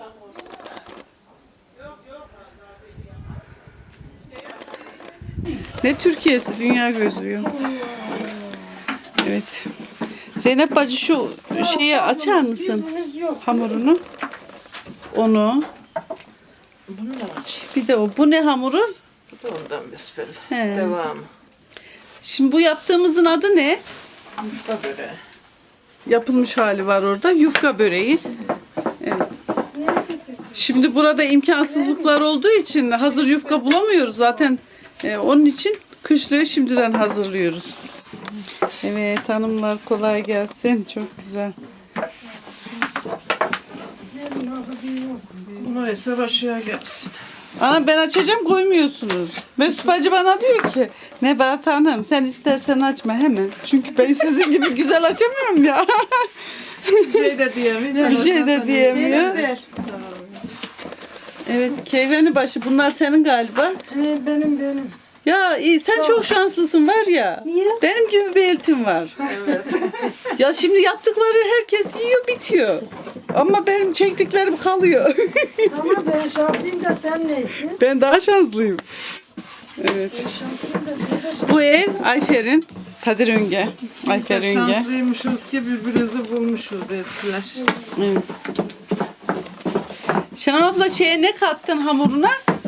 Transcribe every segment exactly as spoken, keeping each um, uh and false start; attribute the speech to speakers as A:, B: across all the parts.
A: Ne Türkiye'si, dünya gözlüyor. Evet. Zeynep bacı şu şeyi açar mısın? Hamurunu. Onu.
B: Bunu da aç.
A: Bir de o. Bu ne hamuru?
B: Bu da ondan besbelli.
A: He.
B: Devamı.
A: Şimdi bu yaptığımızın adı ne?
B: Yufka böreği.
A: Yapılmış hali var orada. Yufka böreği. Evet. Şimdi burada imkansızlıklar olduğu için hazır yufka bulamıyoruz zaten. Ee, onun için kışlığı şimdiden hazırlıyoruz. Evet hanımlar, kolay gelsin. Çok güzel.
B: Bunu ise aşağı gelsin.
A: Ana ben açacağım, koymuyorsunuz. Mesut bacı bana diyor ki Nebahat Hanım sen istersen açma hemen. Çünkü ben sizin gibi güzel açamıyorum ya.
B: Bir şey de diyemiyor.
A: Bir şey de diyemiyor.
B: Ver.
A: Evet, keyveni başı bunlar senin galiba.
C: He, benim benim.
A: Ya iyi, sen çok şanslısın var ya.
C: Niye?
A: Benim gibi bir eltim var.
B: Evet.
A: Ya şimdi yaptıkları herkes yiyor bitiyor. Ama benim çektiklerim kalıyor.
C: Ama ben şanslıyım da sen neysin?
A: Ben daha şanslıyım. Evet.
C: Ben şanslıyım da sen de şanslısın.
A: Bu ev Ayfer'in. Kadir Önge. Ayfer Önge.
B: Şanslıymışız ki birbirimizi bulmuşuz ettiler.
A: Evet. Şenol abla şeye ne kattın hamuruna?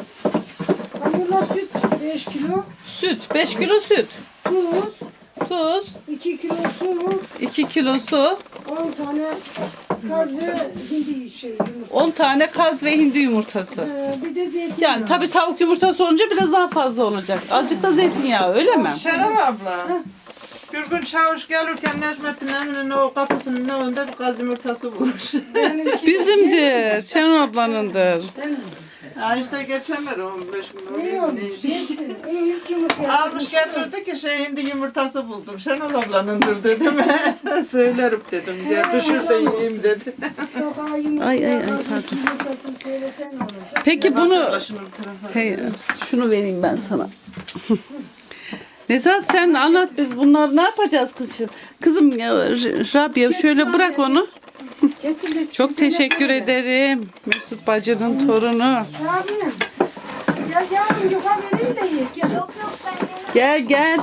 C: Hamurla süt beş kilo,
A: Süt. beş kilo süt.
C: tuz,
A: Tuz.
C: iki kilo su,
A: iki kilo su.
C: on tane kaz ve hindi şey yumurta.
A: on tane kaz ve hindi yumurtası.
C: Ee, bir de zeytin.
A: Yani tabii tavuk yumurtası olunca biraz daha fazla olacak. Azıcık da zeytinyağı öyle mi?
B: Şenol abla. Bir gün çavuş gelirken Necmettin Emin'in o kapısının önünde bir kaz yumurtası bulmuş.
A: Bizimdir. Şenol ablanındır.
B: Ha işte geçenler on beş gün
C: Ne
B: oluyor.
C: olmuş? Zeytin. Onun ilk yumurta.
B: Almış getirdi ki şey hindi yumurtası buldum. Şenol ablanındır dedim. Söylerim dedim. Diye düşür de yiyeyim dedi.
C: Sokağa yumurta.
A: Ay, ay, ay,
C: kazın
A: pardon.
C: Yumurtasını söylesen ne olacak?
A: Peki bunu...
B: Şunu bir tarafa.
A: Hey, şunu vereyim ben sana. Nezahat sen anlat, biz bunları ne yapacağız kızım? Kızım ya, R- Rabia şöyle bırak onu.
C: Getir, getir.
A: Çok teşekkür ederim. Mesut bacının torunu.
C: Abi. Gel yavrum yukarı vereyim de ye. Gel.
A: Gel gel.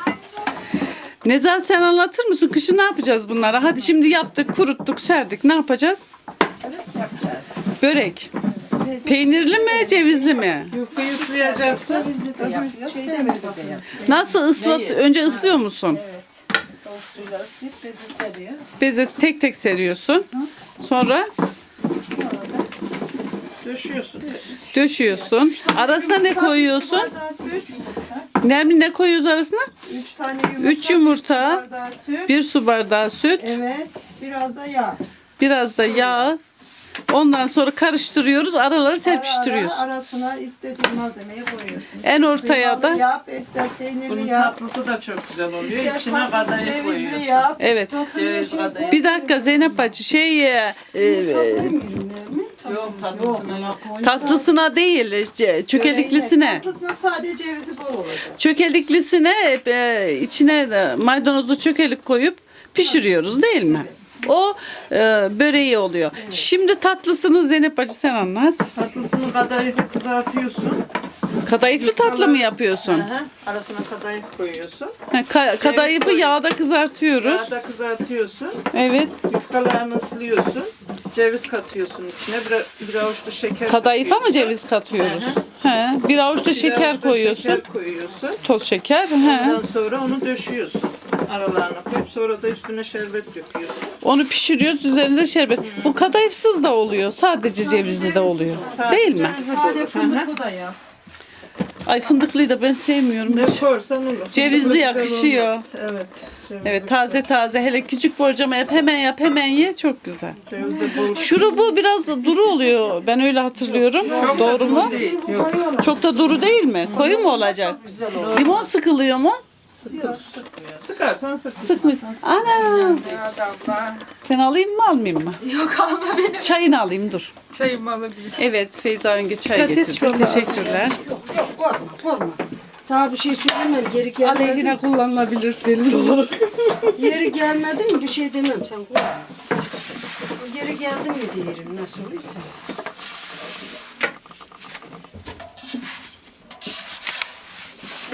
A: Nezahat sen anlatır mısın? Kışın ne yapacağız bunlara? Hadi şimdi yaptık, kuruttuk, serdik. Ne yapacağız?
B: Yapacağız.
A: Börek. Peynirli mi, cevizli mi?
B: Yufkayı ıslayacaksın.
D: Şey demedi de yap.
A: Nasıl ıslat? Önce ıslıyor musun?
D: Evet. Soğuk suyla ıslayıp bezi seriyoruz.
A: Beze tek tek seriyorsun. Sonra
D: Sonra da
B: Döşüyorsun.
A: döşüyorsun. Arasına ne koyuyorsun?
D: bardağı süt,
A: Nermin ne koyuyoruz arasına?
D: üç tane yumurta,
A: Üç yumurta,
D: bardağı süt,
A: bir su bardağı süt,
D: evet, biraz da yağ.
A: biraz da yağ. Ondan sonra karıştırıyoruz. Araları
D: Ara
A: serpiştiriyorsun.
D: ara arasına istediğin malzemeyi koyuyorsun.
A: En ortaya
D: Kıymalı
A: da
D: yap, ister peynirli
B: Bunun
D: yap.
B: tatlısı da çok güzel oluyor.
D: ister
B: İçine
D: tatlı,
B: kadayıf
D: cevizli
B: koyuyorsun.
D: yap.
A: evet.
B: Ceviz kadayıf.
A: Bir dakika Zeynep bacı şey e, e,
B: Yok tatlısına yok.
A: tatlısına değil ce- çökeliklisine.
D: Tatlısına sadece cevizi bol olacak.
A: Çökeliklisine e, içine de maydanozlu çökelik koyup pişiriyoruz değil mi? O e, böreği oluyor. Şimdi tatlısını Zeynep bacı sen anlat.
B: Tatlısını kadayıfı kızartıyorsun.
A: Kadayıflı tatlı mı yapıyorsun?
B: Hı hı. Arasına kadayıf koyuyorsun.
A: Ha, ka- kadayıfı
B: koyuyorsun.
A: yağda kızartıyoruz.
B: Yağda kızartıyorsun.
A: Evet.
B: Yufkalarını ıslıyorsun. Ceviz katıyorsun içine. Bir, bir avuç da şeker
A: Kadayıfa mı
B: koyuyorsun.
A: ceviz katıyoruz?
B: Hı
A: He. Bir avuç da
B: Bir
A: şeker
B: avuç da
A: koyuyorsun.
B: Şeker koyuyorsun.
A: Toz şeker. He.
B: Ondan sonra onu döşüyorsun. Aralarına koyup sonra da üstüne şerbet döküyorsun.
A: Onu pişiriyoruz. Üzerinde şerbet. Bu kadayıfsız da oluyor. Sadece cevizli de oluyor. Değil mi?
B: Cevizi de
D: Sade
B: olur. Hı hı.
D: fındıklı da yap.
A: Ay fındıklıyı da ben sevmiyorum.
B: Ne korsan olur.
A: Cevizli
B: Fındıklı
A: yakışıyor.
B: olmaz. Evet. cevizli
A: Evet taze taze. Hele küçük borcama yap. Hemen yap hemen ye. Çok güzel.
B: Ceviz de bol.
A: Şurubu biraz duru oluyor. Ben öyle hatırlıyorum. Doğru mu?
B: Değil. Yok.
A: Çok da duru değil mi? Koyu mu olacak?
D: Güzel olur.
A: Limon sıkılıyor mu?
B: Sıkarsan sık.
A: Sıkmış. Ana. Sen alayım mı almayayım mı?
E: Yok alma benim.
A: Çayını alayım dur.
E: Çayımı alabilirsin.
A: Evet Feyza Önge çay getirdi. Teşekkürler.
C: Yok yok korkma korkma. Daha bir şey söylemem. Geri gelmedi.
A: Aleyhine kullanılabilir delil olarak.
C: Yeri gelmedi mi bir şey demem sen korkma. Geri geldi mi diyelim nasıl olursa.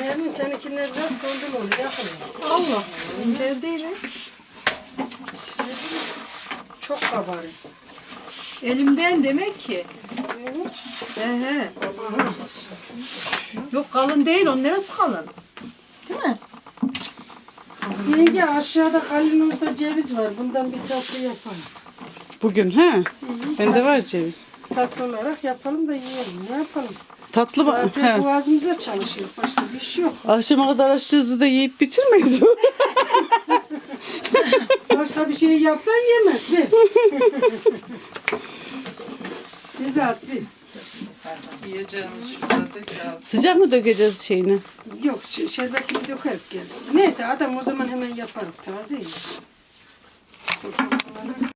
C: Emin seninkiler biraz kondum oluyor. Yakın.
D: Allah. İnce değil.
C: Çok kabarık.
D: Elimden demek ki. He he. Yok kalın değil. Onun neresi kalın? Değil mi?
C: Yenge aşağıda kalinozda ceviz var. Bundan bir tatlı yapalım.
A: Bugün he? Bende var ceviz.
C: Tatlı olarak yapalım da yiyelim. Ne yapalım?
A: Tatlı mı?
C: Zaten
A: He.
C: boğazımıza çalışıyor. Başka bir şey yok.
A: Akşama kadar açtığınızı da yiyip bitirmeyiz.
C: Başka bir şey yapsan yeme. Ver. Bize at bir.
B: Yiyeceğimiz şurada tekrar.
A: Sıcak mı dökeceğiz şeyini?
C: Yok ş- şerbetini dökerek geldi. Neyse adam o zaman hemen yapar. Taze. Sofralara.